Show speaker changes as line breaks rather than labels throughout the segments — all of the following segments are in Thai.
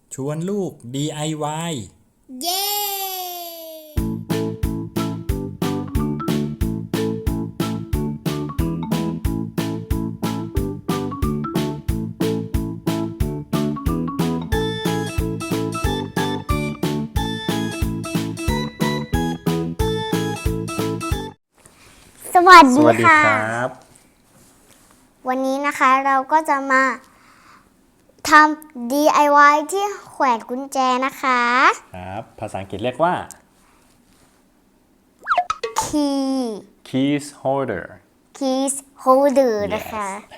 ชวนลูก DIY
เย้สวัสดีค่ะ วันนี้นะคะเราก็จะมาทำ DIY ที่แขวนกุญแจนะคะ
ครับภาษาอังกฤษเรียกว่า keys holder
keys holder นะคะ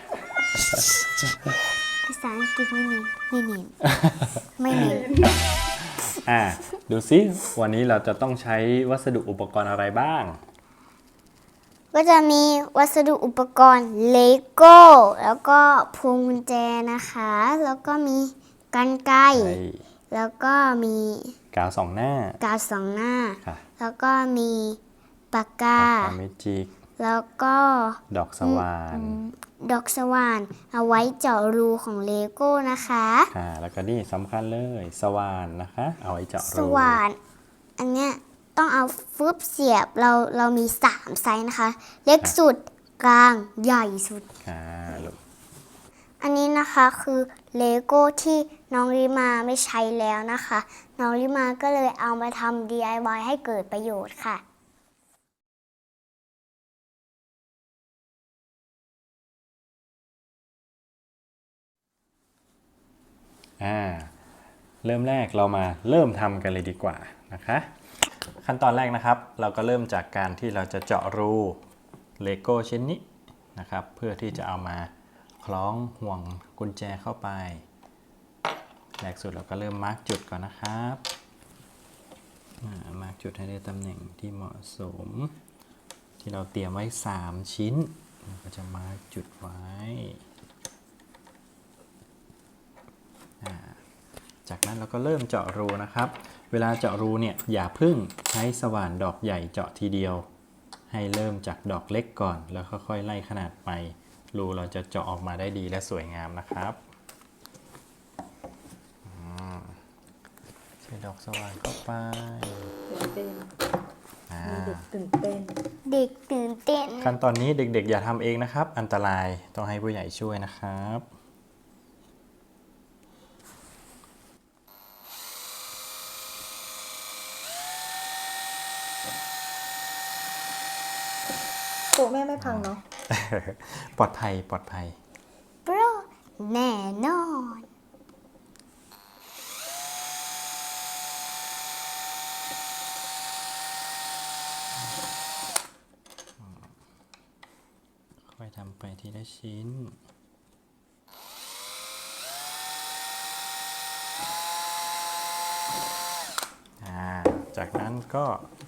ภาษาอังกฤษไม่เน้น
ดูซิวันนี้เราจะต้องใช้วัสดุอุปกรณ์อะไรบ้าง
ก็จะมีวัสดุอุปกรณ์เลโก้แล้วก็พวงกุญแจนะคะ แล้วก็มีกรรไกรแล้วก็มี
กาวสองหน้าก
าวสองหน้า
ค่ะ
แล้วก็มีปากกา
เมจิก
แล้วก็
ดอกสว่าน
ดอกสว่านเอาไว้เจาะรูของเลโก้นะคะ
แล้วก็นี่สำคัญเลยสว่านนะคะ เอาไว้เจาะรู
สว่านอันเนี้ยต้องเอาฟึบเสียบเรามี3ไซส์นะคะ เล็กสุดกลางใหญ่สุด
ลูก
อันนี้นะคะคือเลโก้ที่น้องริมาไม่ใช้แล้วนะคะ น้องริมาก็เลยเอามาทำ DIY ให้เกิดประโยชน์ค่ะ
เริ่มแรกเรามาเริ่มทำกันเลยดีกว่านะคะขั้นตอนแรกนะครับเราก็เริ่มจากการที่เราจะเจาะรูเลโก้ชิ้นนี้นะครับเพื่อที่จะเอามาคล้องห่วงกุญแจเข้าไปแรกสุดเราก็เริ่มมาร์กจุดก่อนนะครับมาร์กจุดให้ได้ตำแหน่งที่เหมาะสมที่เราเตรียมไว้3ชิ้นก็จะมาร์กจุดไว้จากนั้นเราก็เริ่มเจาะรูนะครับเวลาเจาะรูเนี่ยอย่าเพิ่งใช้สว่านดอกใหญ่เจาะทีเดียวให้เริ่มจากดอกเล็กก่อนแล้วค่อยๆไล่ขนาดไปรูเราจะเจาะออกมาได้ดีและสวยงามนะครับใส่ดอกสว่านเข้าไป
เด็กตื่นเต้น
เด็กตื่นเต้น
ขั้นตอนนี้เด็กๆอย่าทำเองนะครับอันตรายต้องให้ผู้ใหญ่ช่วยนะครับ
โตะแม่ไม่พังเนาะ
ปลอดภัยปลอดภัย
โปรแน่นอน
ค่อยทำไปทีละชิ้นจากนั้นก็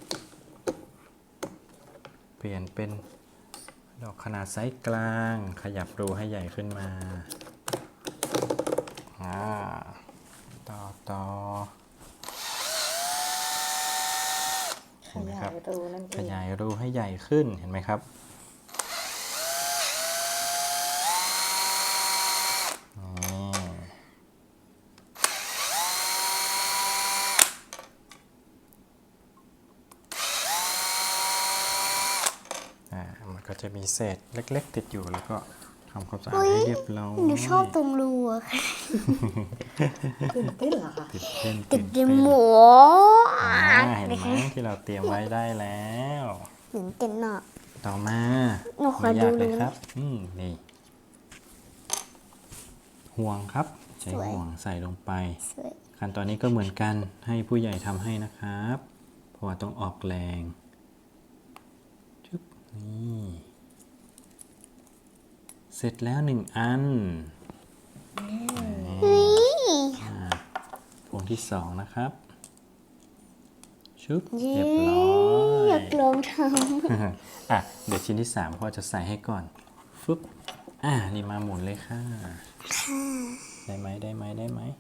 เปลี่ยนเป็นดอกขนาดไซส์กลางขยับรูให้ใหญ่ขึ้นมาต่อเห็นไหมครับขยายรูให้ใหญ่ขึ้นเห็นไหมครับมันก็จะมีเศษเล็กๆติดอยู่แล้วก็ทำความสะอาดให้เรียบร้อย
หนูชอบตรงรูอะค่ะ
ตื่นเต้นเหรอคะ
ติดในหมู
เห็นไหมที่เราเตรียมไว้ได้แล้ว
ตื่นเต้นเนาะ
ต่อมา
หนูขอ
ไม่
ดู
ยากเลย
เลย
ครับนี่ห่วงครับใช้ห่วงใส่ลงไป
สวย
ขั้นตอนนี้ก็เหมือนกันให้ผู้ใหญ่ทำให้นะครับเพราะว่าต้องออกแรงนี่เสร็จแล้ว1 อันพวงที่2นะครับชุบเรียบร้อ
อย ากลองท
เดี๋ยวชิ้นที่3พ่อจะใส่ให้ก่อนฟึบนี่มาหมุนเลยค่ะได้ไหมหมุน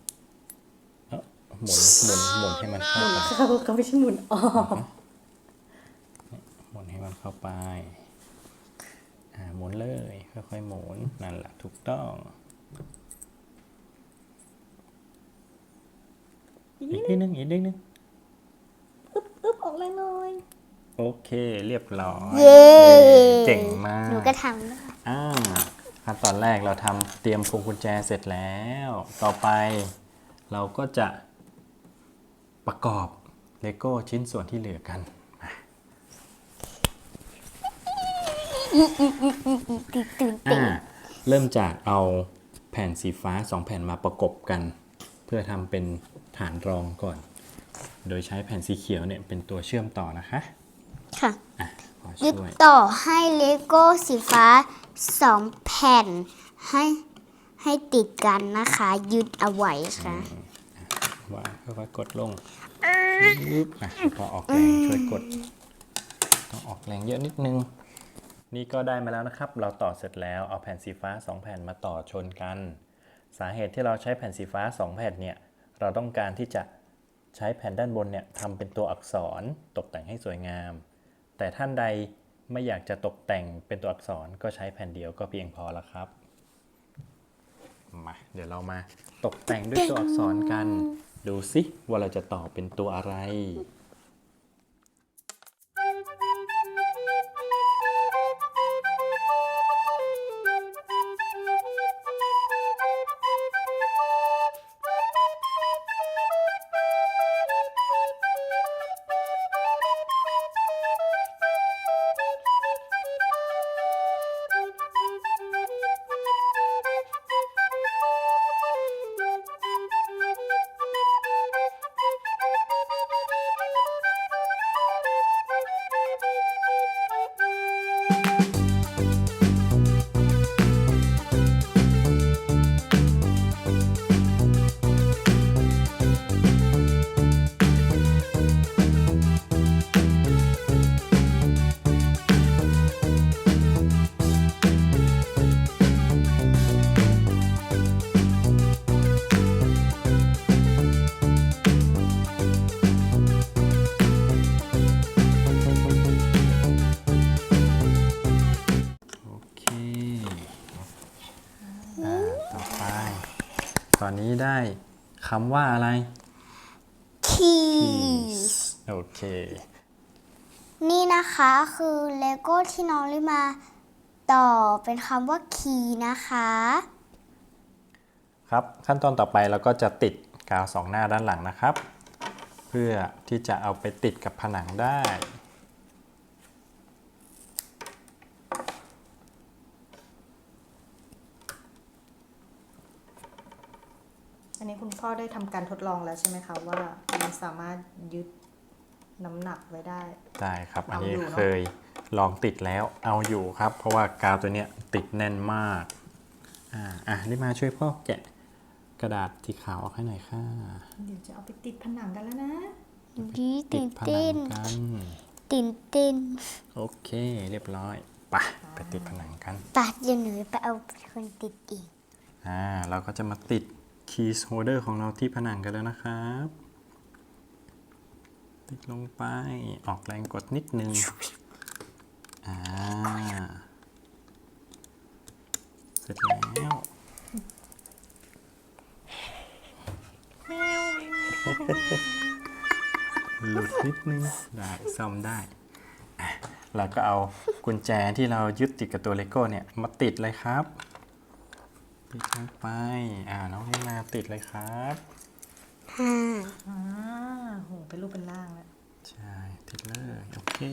ให้มันเข้าไป
เขาไม่ใช่หมุนออก
หมุนให้มันเข้าไปหมุนเลยค่อยๆหมุนนั่นแหละถูกต้องอีกนิดนึงอีกนิดนึง
อึ๊บออกแรงหน่อย
โอเคเรียบร้อย
เย้
เก่งมาก
หนูก็ทำได้
ขั้นตอนแรกเราทำเตรียมพวงกุญแจเสร็จแล้ว ต่อไปเราก็จะประกอบเลโก้ชิ้นส่วนที่เหลือกันมา
ตื่น
เริ่มจากเอาแผ่นสีฟ้า2แผ่นมาประกบกัน เพื่อทำเป็นฐานรองก่อน โดยใช้แผ่นสีเขียวเนี่ยเป็นตัวเชื่อมต่อนะคะ
ค่ะ
ขอ
ยึด
ช่วย
ต่อให้เลโก้สีฟ้า2แผ่นให้ติดกันนะคะ ยึดเอาไว้ค่ะ
วางค่อยๆกดลงปึ๊บพอออกแรงช่วยกด ต้องออกแรงเยอะนิดนึง นี่ก็ได้มาแล้วนะครับ เราต่อเสร็จแล้วเอาแผ่นสีฟ้า2แผ่นมาต่อชนกัน สาเหตุที่เราใช้แผ่นสีฟ้า2แผ่นเนี่ย เราต้องการที่จะใช้แผ่นด้านบนเนี่ยทำเป็นตัวอักษรตกแต่งให้สวยงาม แต่ท่านใดไม่อยากจะตกแต่งเป็นตัวอักษรก็ใช้แผ่นเดียวก็เพียงพอแล้วครับ มาเดี๋ยวเรามาตกแต่งด้วยตัวอักษรกัน ดูสิว่าเราจะต่อเป็นตัวอะไร โอเคต่อไป ตอนนี้ได้คำว่าอะไร
keys
โอเค
นี่นะคะคือเลโก้ที่น้องลิมาต่อเป็นคำว่า key นะคะ
ครับขั้นตอนต่อไปเราก็จะติดกาว2หน้าด้านหลังนะครับ เพื่อที่จะเอาไปติดกับผนังได้
อันนี้คุณพ่อได้ทำการทดลองแล้วใช่ไหมคะว่ามันสามารถยึดน้ำหนักไว้ได้
ได้ครับอันนี้
เอาอยู่เนอะ
เคยลองติดแล้วเอาอยู่ครับ เพราะว่ากาวตัวเนี้ยติดแน่นมากรีบมาช่วยพ่อแกะกระดาษสีขาวออกให้หน่อยค่ะ
เดี๋ยวจะเอาไปติดผนังกันแล้วนะ
ดี
ติ
ตื่
ด
น
ผนั
เต้น
งกัน
ตื่นเต้น
โอเคเรียบร้อยไปติดผนังกัน
ปัดเดี๋ยวหนูไปเอาคนติดอีก
เราก็จะมาติดคีย์โฮลเดอร์ของเราที่ผนังกันแล้วนะครับ ติดลงไปออกแรงกดนิดนึงเสร็จแล้ว หลุดนิดนึงได้ซ่อมได้เราก็เอากุญแจที่เรายึดติดกับตัวเลโก้เนี่ยมาติดเลยครับติดลงไปน้องให้มาติดเลยครับ
โหเป็นรูปเป็นร่างแล้ว
ใช่ติดเลยโอเค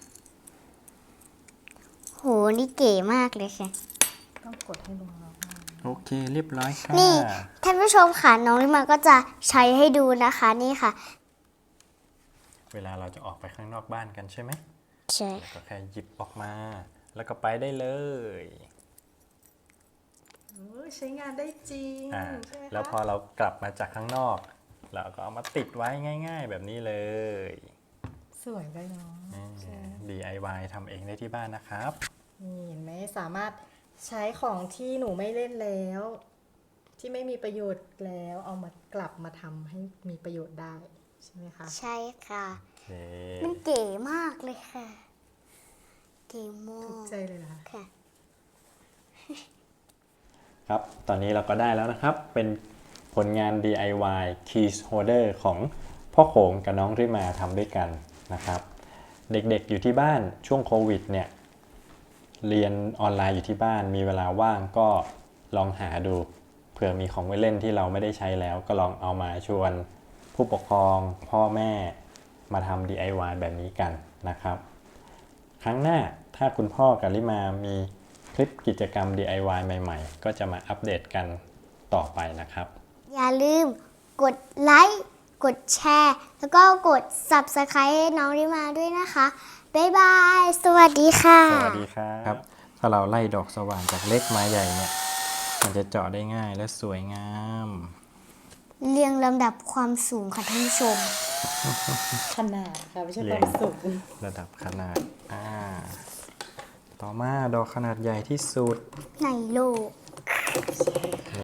โห นี่เก๋มากเลยค่ะ
ต้องกดให้ลงล็อก
โอเคเรียบร้อยค่ะ
นี่ท่านผู้ชมค่ะน้องลิมาก็จะใช้ให้ดูนะคะนี่ค่ะ
เวลาเราจะออกไปข้างนอกบ้านกันใช่ไหม
ใช่
ก็แค่หยิบออกมา แล้วก็ไปได้เลย
ใช้งานได้จริงใช่ไหมคะ
แล้วพอเรากลับมาจากข้างนอกเราก็เอามาติดไว้ง่าย ๆ แบบนี้เลย
สวยได้เนาะใช่
DIY ทำเองได้ที่บ้านนะครับ
นี่เห็นไหมสามารถใช้ของที่หนูไม่เล่นแล้ว ที่ไม่มีประโยชน์แล้วเอามากลับมาทำให้มีประโยชน์ได้ใช่ไหมคะ
ใช่ค่ะ
โอเค
มันเก๋มากเลยค่ะ เก๋มา
ถูก
ก
ใจเลยนะคะ
ค่ะ
ครับ ตอนนี้เราก็ได้แล้วนะครับ เป็นผลงาน DIY Keys Holder ของพ่อโขงกับน้องริมาทำด้วยกันนะครับ เด็กๆอยู่ที่บ้านช่วงโควิดเนี่ยเรียนออนไลน์อยู่ที่บ้านมีเวลาว่างก็ลองหาดูเผื่อมีของไว้เล่นที่เราไม่ได้ใช้แล้วก็ลองเอามาชวนผู้ปกครองพ่อแม่มาทำ DIY แบบนี้กันนะครับ ครั้งหน้าถ้าคุณพ่อกับลิมามีคลิปกิจกรรม DIY ใหม่ๆ ก็จะมาอัปเดตกันต่อไปนะครับ
อย่าลืมกดไลค์ กดแชร์ แล้วก็กด Subscribe ให้น้องริมาด้วยนะคะ บ๊ายบาย สวัสดีค่ะ
สวัสดีครับ ถ้าเราไล่ดอกสว่านจากเล็กมาใหญ่เนี่ยมันจะเจาะได้ง่ายและสวยงาม
เรียงลำดับความสูงค่ะท่านผู้ชม
ขนาดค่ะไม่ใช่
เรี
ค
ย
วาง มสูง
ระดับขนาดต่อมาดอกขนาดใหญ่ที่สุด
ในโลก